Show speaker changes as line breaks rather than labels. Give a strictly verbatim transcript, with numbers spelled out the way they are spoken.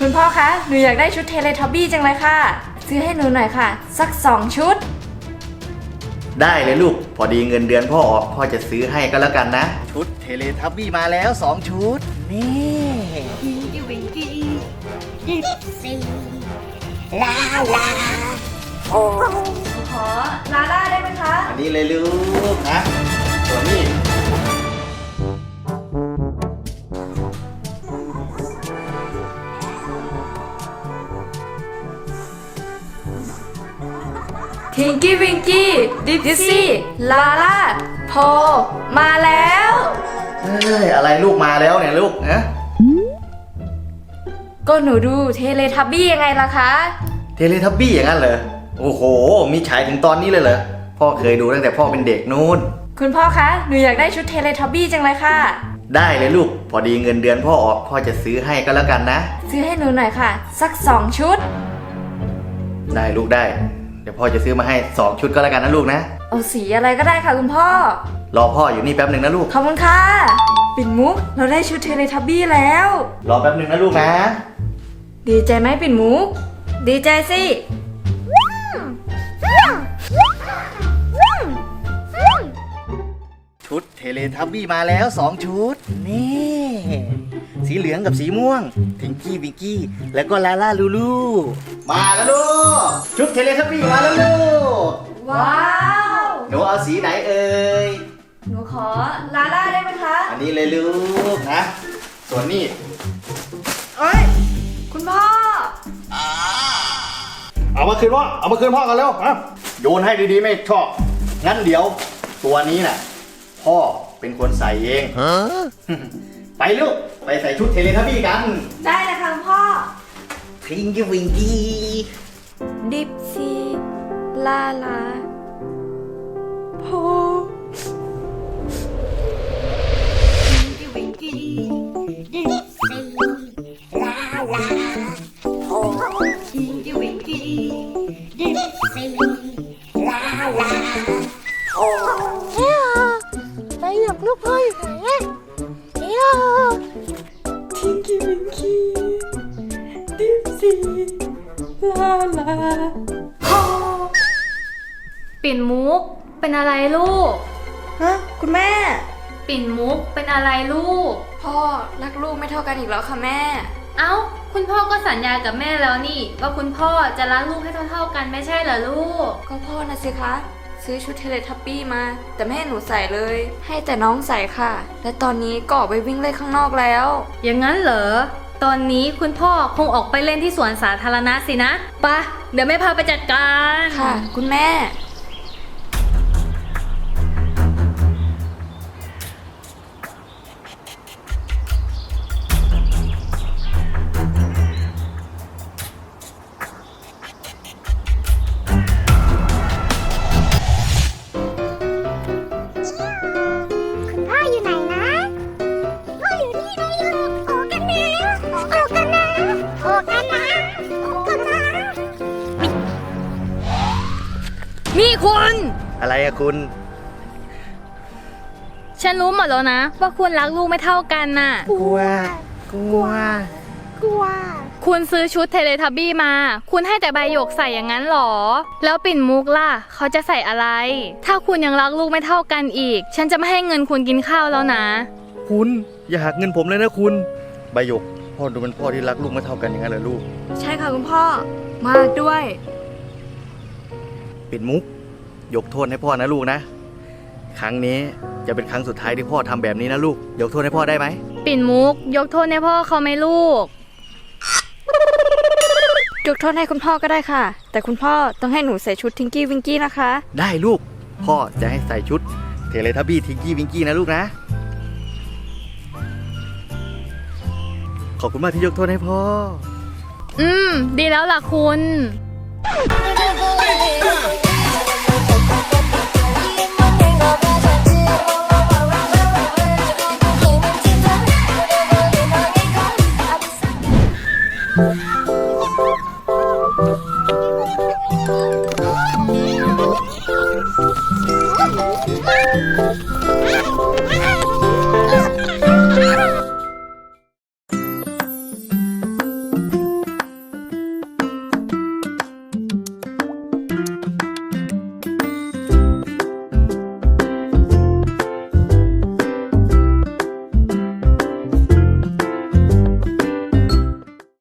คุณพ่อคะหนูอยากได้ชุดเทเลทับบี้จังเลยค่ะซื้อให้หนูหน่อยค่ะสักสองชุด
ได้เลยลูกพอดีเงินเดือนพ่อออกพ่อจะซื้อให้ก็แล้วกันนะชุดเทเลทับบี้มาแล้วสองชุดนี่
วิงกี้วิงกี้ยิปซีลาลาโอ้
ขอลาล่าได้ไหมคะ
อันนี้เลยลูกนะตัวนี้
ทิงกี้วิงกี้ดิฟซี่ลาล่าโพมาแล้ว
เฮ้ยอะไรลูกมาแล้วเนี่ยลูกนะ
ก็หนูดูเทเลทับบี้ยังไงล่ะคะ
เทเลทับบี้อย่างนั้นเหรอโอ้โหมีฉายถึงตอนนี้เลยเหรอพ่อเคยดูตั้งแต่พ่อเป็นเด็กนู้น
คุณพ่อคะหนูอยากได้ชุดเทเลทับบี้จังเลยค่ะ
ได้เลยลูกพอดีเงินเดือนพ่อออกพ่อจะซื้อให้ก็แล้วกันนะ
ซื้อให้หนูหน่อยค่ะสักสองชุด
ได้ลูกได้เดี๋ยวพ่อจะซื้อมาให้สองชุดก็แล้วกันนะลูกนะ
เอาสีอะไรก็ได้ค่ะคุณพ่อ
รอพ่ออยู่นี่แป๊บหนึ่งนะลูก
ขอบคุณค่ะปิ่นมุกเราได้ชุดเทเลทับบี้แล้ว
รอแป๊บหนึ่งนะลูกนะ
ดีใจไหมปิ่นมุกดีใจสิ
ชุดเทเลทับบี้มาแล้วสองชุดนี่สีเหลืองกับสีม่วงทิงกี้วิงกี้แล้วก็ลาล่าลูลูมาแล้วลูกชุดเทเลทับบี้มาแล้วลูก
ว้าว
หนูเอาสีไหนเอ่ย
หนูขอลาล่าได้ไหมคะ
อันนี้เลยลูกนะส่วนนี้
เอ้ยคุณพ่อ
เอามาคืนพ่อเอามาคืนพ่อกันแล้วนะโยนให้ดีๆไม่ชอบงั้นเดี๋ยวตัวนี้น่ะพ่อเป็นคนใส่เองไปลูกไปใส่ชุดเทเลทับบี้กัน
ได้เลยค่ะคุณพ่อ
ทิงกี้วิงกี้
ดิปซี่ลาลาโพ
วิงกี้ยิปซีลาลาโอ้วิงกี้วิงกี้ยิปซีลาลาโอ้เฮ้ยไปหยกลูกพ่ออยู่ไหนอะเฮ้ย
ทิงกี้วิงกี้ดิปซี่ลาลาโพ
ปิ่นมุกเป็นอะไรลูก
ฮะคุณแม่
ปิ่นมุกเป็นอะไรลูก
พ่อรักลูกไม่เท่ากันอีกแล้วค่ะแม่
เอ้าคุณพ่อก็สัญญากับแม่แล้วนี่ว่าคุณพ่อจะรักลูกให้เท่าๆกันไม่ใช่เหรอลูก
ก็พ่อนะสิคะซื้อชุดเทเลทับบี้มาแต่ไม่ให้หนูใส่เลยให้แต่น้องใส่ค่ะและตอนนี้ก็ออกไปวิ่งเล่นข้างนอกแล้ว
อย่างนั้นเหรอตอนนี้คุณพ่อคงออกไปเล่นที่สวนสาธารณะสินะปะเดี๋ยวแม่พาไปจัดการ
ค่ะคุณแม่
นี่คุณ
อะไรอะคุณ
ฉันรู้หมดแล้วนะว่าคุณรักลูกไม่เท่ากันน่ะ
กลัวกลัว
กลัว
คุณซื้อชุดเทเลทับบี้มาคุณให้แต่ใบหยกใส่อย่างนั้นหรอแล้วปิ่นมุกล่ะเขาจะใส่อะไรถ้าคุณยังรักลูกไม่เท่ากันอีกฉันจะไม่ให้เงินคุณกินข้าวแล้วนะ
คุณอย่าหักเงินผมเลยนะคุณใบหยกพ่อดูเป็นพ่อที่รักลูกไม่เท่ากันอย่างนั้นเหรอลูก
ใช่ค่ะคุณพ่อมากด้วย
ปิ่นมุกยกโทษให้พ่อนะลูกนะครั้งนี้จะเป็นครั้งสุดท้ายที่พ่อทำแบบนี้นะลูกยกโทษให้พ่อได้ไหม
ปิ่นมุกยกโทษให้พ่อเขาไหมลูก
ยกโทษให้คุณพ่อก็ได้ค่ะแต่คุณพ่อต้องให้หนูใส่ชุดทิงกี้วิงกี้นะคะ
ได้ลูกพ่อจะให้ใส่ชุดเทเลทับบี้ทิงกี้วิงกี้นะลูกนะขอบคุณมากที่ยกโทษให้พ่อ
อืมดีแล้วล่ะคุณ
Oh